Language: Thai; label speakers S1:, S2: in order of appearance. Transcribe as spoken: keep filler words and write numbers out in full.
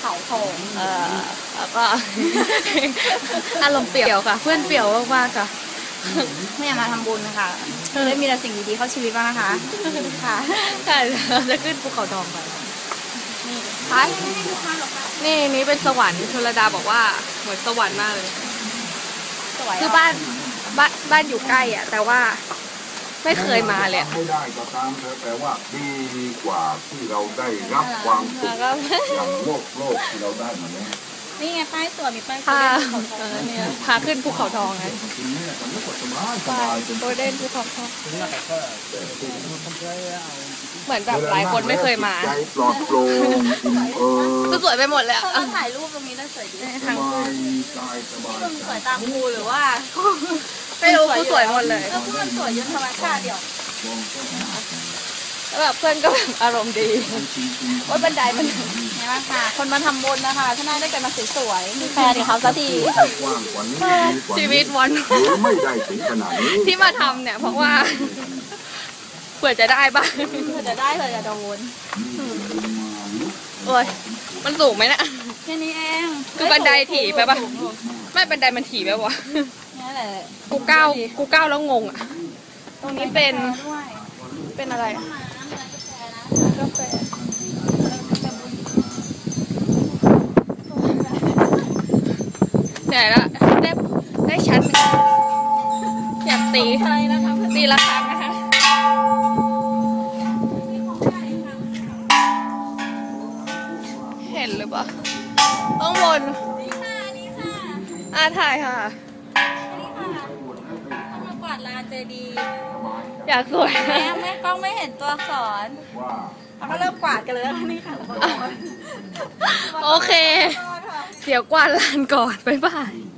S1: เขาทอง
S2: เออแล้วก็ อารมณ์เปรี่ยวค่ะเพื่อนเปรี่ยวมากๆค่ะ
S1: ไม่อยากมาทำบุญนะคะเลยมีแต่สิ่งดีๆเข้าชีวิตบ้างนะคะค่ะ
S2: ค่ะเราจะขึ้นภูเขาทองไป
S1: นี่
S2: ค่ะนี่นี่เป็นสวรรค์ชลดาบอกว่าเหมือนสวรรค์มากเลย
S1: สวย
S2: คือบ้านบ้านบ้านอยู่ใกล้อ่ะแต่ว่าไม่เคยมาเลย
S3: ไม่ได้ก็ตามเธอแต่ว่าดีกว่าที่เราได้รับความสุขอย่างโลกโลกที่เราได้มาแล้ว
S1: นี่ไงป้ายสวยมีป้าย
S2: พาเนี่ยพาขึ้นภูเขาทองไงไปโดยเด่นภูเขาทองเหมือนแบบหลายคนไม่เคยมา
S3: ใจปลอดโปร่งเออ
S2: สวยไปหมดเลย
S1: เราถ่ายรูปตรงนี้ได้สวยดี
S3: ทาง
S1: คุณสวยตามครูหรือว่า
S2: ไม่รู้กูสวยหมดเลย
S1: แล้วคุณสวยยืนธรรมชาติเดียว
S2: แล้วแบบเพื่อนก็แบบอารมณ์ดีว่าบันไดมัน
S1: เห็นไหมค่ะคนมาทำบุญนะคะถ้าน่าได้กันมาสวยๆมีแฟนเขาสักที
S2: ชีวิตวันที่มาทำเนี่ยเพราะว่าเผื่อจะได้บ้าง
S1: เผื่อจะได้เผื่อจะโดน
S2: โอ้ยมันสูงไหมนะ
S1: แค่นี้เอง
S2: คือบันไดถี่ไปปะไม่บันไดมันถี่ไปวะ
S1: นี่แหละ
S2: กูก้าวกูก้าวแล้วงงอ่ะตรงนี้เป็นเป็นอะไรกาแฟเหนื่อยแล้วได้ได้ชั้นอยากตีตีละครั้งนะคะเห็นหรือเปล่าข้างบนอ่าถ่ายค่ะ
S1: ต้องมากวาดลานเจดีย์
S2: อยากสวย
S1: แม่แม่กล้องไม่เห็นตัวอักษรเขาก็เริ่มกวาดกันเลยนี่ค่ะ
S2: โอเคเดี๋ยวกวาดลานก่อนบ๊ายบาย